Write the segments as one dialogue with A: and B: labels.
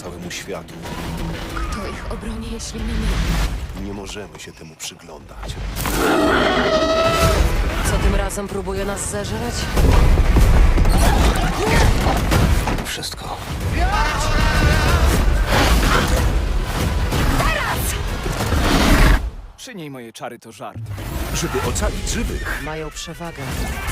A: całemu światu.
B: Kto ich obroni, jeśli nie my?
A: Nie możemy się temu przyglądać.
B: Co tym razem próbuje nas zeżreć?
A: Wszystko.
C: Przy niej moje czary to żart.
D: Żeby ocalić żywych,
B: Mają przewagę.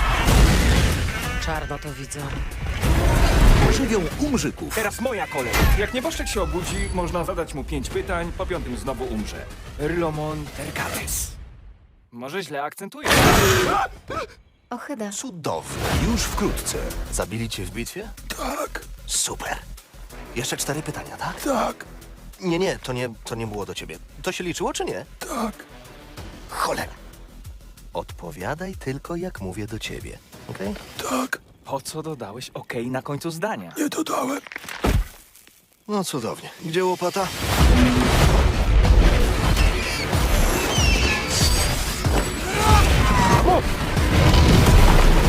B: Czarno to widzę.
D: żywią umrzyków.
C: Teraz moja kolej. Jak nieboszczek się obudzi, można zadać mu 5 pytań, po 5 znowu umrze. Rylomon tercates. Może źle akcentuję.
B: Ochyda.
A: Cudowne.
D: Już wkrótce.
A: Zabili cię w bitwie?
D: Tak,
A: Super. Jeszcze 4 pytania, tak?
D: tak,
A: Nie, to nie było do ciebie. To się liczyło, czy nie?
D: tak.
A: Cholera. Odpowiadaj tylko, jak mówię do ciebie. Okej?
D: Tak,
C: Po co dodałeś okej na końcu zdania?
D: nie dodałem.
A: No cudownie. Gdzie łopata?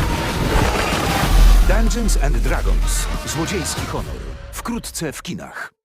D: Dungeons and Dragons. Złodziejski honor. Wkrótce w kinach.